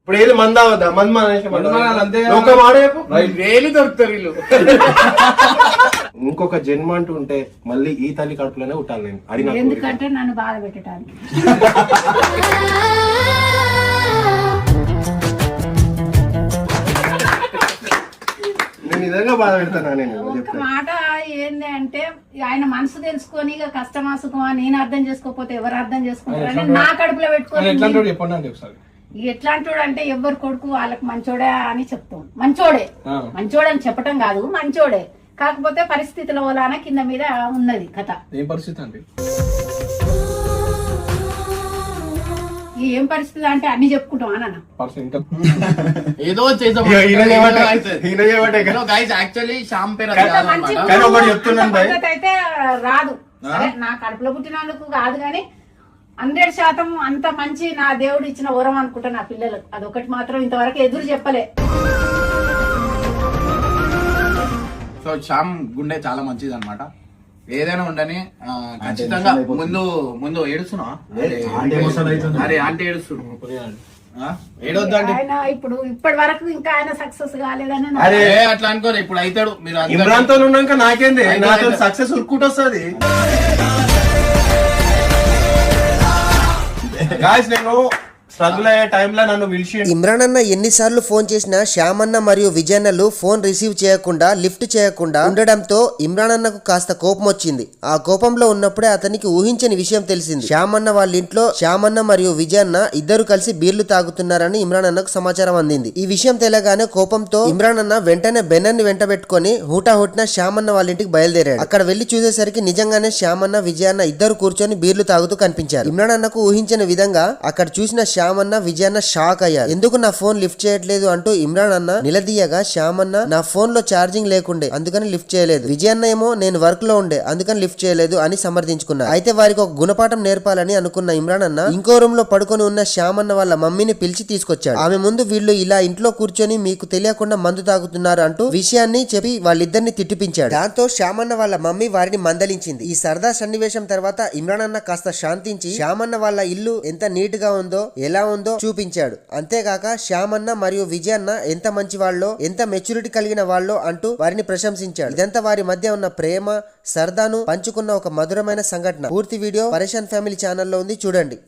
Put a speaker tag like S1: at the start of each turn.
S1: ఇప్పుడు ఏది మంద అవద్దా
S2: వేలు దొరుకుతారు వీళ్ళు.
S1: ఇంకొక జన్మ అంటూ ఉంటే మళ్ళీ ఈ తల్లి కడుపులోనే ఉంటాను నేను. అది నాకు
S3: ఎందుకంటే నన్ను బాధ పెట్టడానికి.
S1: నేను నిజంగా బాధ పెడతానా నేను
S3: ఒక మాట ఏంది అంటే ఆయన మనసు తెలుసుకొని ఇక కష్టమా సుఖమా నేను అర్థం చేసుకోకపోతే ఎవరు అర్థం చేసుకుంటారని నా కడుపులో పెట్టుకొని ఎట్లాంటి అంటే ఎవరు కొడుకు వాళ్ళకి మంచోడే అని చెప్తాం. మంచోడే అని చెప్పటం కాదు, మంచోడే. కాకపోతే పరిస్థితుల వలన కింద మీద ఉన్నది కథ.
S4: ఏం పరిస్థితి అండి?
S3: ఏం పరిస్థితి అంటే అన్ని చెప్పుకుంటాం అన్న.
S2: ఏదో యాక్చువల్లీ శ్యామ్ పేరు
S3: అయితే రాదు. సరే, నా కడుపులో పుట్టినందుకు కాదు గాని 100% అంత మంచి నా దేవుడు ఇచ్చిన వరం అనుకుంటా నా పిల్లలకు. అదొకటి మాత్రం ఇంతవరకు ఎదురు చెప్పలే.
S2: సో శ్యామ్ గుండె చాలా మంచిది అనమాట. ఏదైనా ఉండని ఖచ్చితంగా ముందు ఏడుస్తున్నావా? అరే ఆంటీ ఏడొద్దండి.
S3: ఆయన ఇప్పుడు ఇప్పటి వరకు ఇంకా ఆయన సక్సెస్ కాలేదని
S2: అరే అట్లా అనుకోరు. ఇప్పుడు అవుతాడు. మీరు
S1: ఇమ్రాన్ తో ఉన్నాక నాకేంది, నాతో సక్సెస్ ఉరుక్కుంటూ వస్తుంది. నేను స్ట్రగుల్ అయ్యే టైంలో నన్ను పిలిచి
S5: ఇమ్రాన్ అన్న ఎన్నిసార్లు ఫోన్ చేసినా శ్యామ్ అన్న మరియు విజయన్నలు ఫోన్ రిసీవ్ చేయకుండా లిఫ్ట్ చేయకుండా ఉండడంతో ఇమ్రాన్ అన్నకు కాస్త కోపం వచ్చింది. ఆ కోపంలో ఉన్నప్పుడే అతనికి ఊహించని విషయం తెలిసింది. శ్యామ్ అన్న వాళ్ళ ఇంట్లో శ్యామ్ అన్న మరియు విజయన్న ఇద్దరు కలిసి బీర్లు తాగుతున్నారని ఇమ్రాన్ అన్నకు సమాచారం అందింది. ఈ విషయం తెలియగానే కోపంతో ఇమ్రాన్ అన్న వెంటనే బెన్నన్ని వెంట పెట్టుకుని హూటాహుటిన శ్యామ్ అన్న వాళ్ళ ఇంటికి బయలుదేరాడు. అక్కడ వెళ్లి చూసేసరికి నిజంగానే శ్యామ్ అన్న విజయన్న ఇద్దరు కూర్చొని బీర్లు తాగుతూ కనిపించారు. ఇమ్రాన్ అన్నకు ఊహించిన విధంగా అక్కడ చూసిన శ్యామ్ అన్న విజయన్న షాక్ అయ్యారు. ఎందుకు నా ఫోన్ లిఫ్ట్ చేయట్లేదు అంటూ ఇమ్రాన్ అన్న నిలదీయగా శ్యామ్ అన్న నా ఫోన్ లో ఛార్జింగ్ లేకుండే అందుకని లిఫ్ట్ చేయలేదు, విజయన్న ఏమో నేను వర్క్ లో ఉండే అందుకని లిఫ్ట్ చేయలేదు అని సమర్థించుకున్నారు. అయితే వారికి ఒక గుణపాఠం నేర్పాలని అనుకున్న ఇమ్రాన్ అన్న ఇంకో రూమ్ లో పడుకొని ఉన్న శ్యామ్ అన్న వాళ్ళ మమ్మీని పిలిచి తీసుకొచ్చాడు. ఆమె ముందు వీళ్ళు ఇలా ఇంట్లో కూర్చొని మీకు తెలియకుండా మందు తాగుతున్నారు అంటూ విషయాన్ని చెప్పి వాళ్ళిద్దరిని తిట్టిపించాడు. దాంతో శ్యామ్ అన్న వాళ్ళ మమ్మీ వారిని మందలించింది. ఈ సరదా సన్నివేశం తర్వాత ఇమ్రాన్ అన్న కాస్త శాంతించి శ్యామ్ అన్న వాళ్ళ ఇల్లు ఎంత నీట్ గా ఉందో ఎలా ఉందో చూపించాడు. అంతేగాక శ్యామ్ అన్న మరియు విజయన్న ఎంత మంచి వాళ్ళో ఎంత మెచ్యూరిటీ కలిగిన వాళ్ళో అంటూ వారిని ప్రశంసించాడు. ఇదంతా వారి మధ్య ఉన్న ప్రేమ సరదాను పంచుకున్న ఒక మధురమైన సంఘటన. పూర్తి వీడియో పరేషాన్ ఫ్యామిలీ ఛానల్లో ఉంది, చూడండి.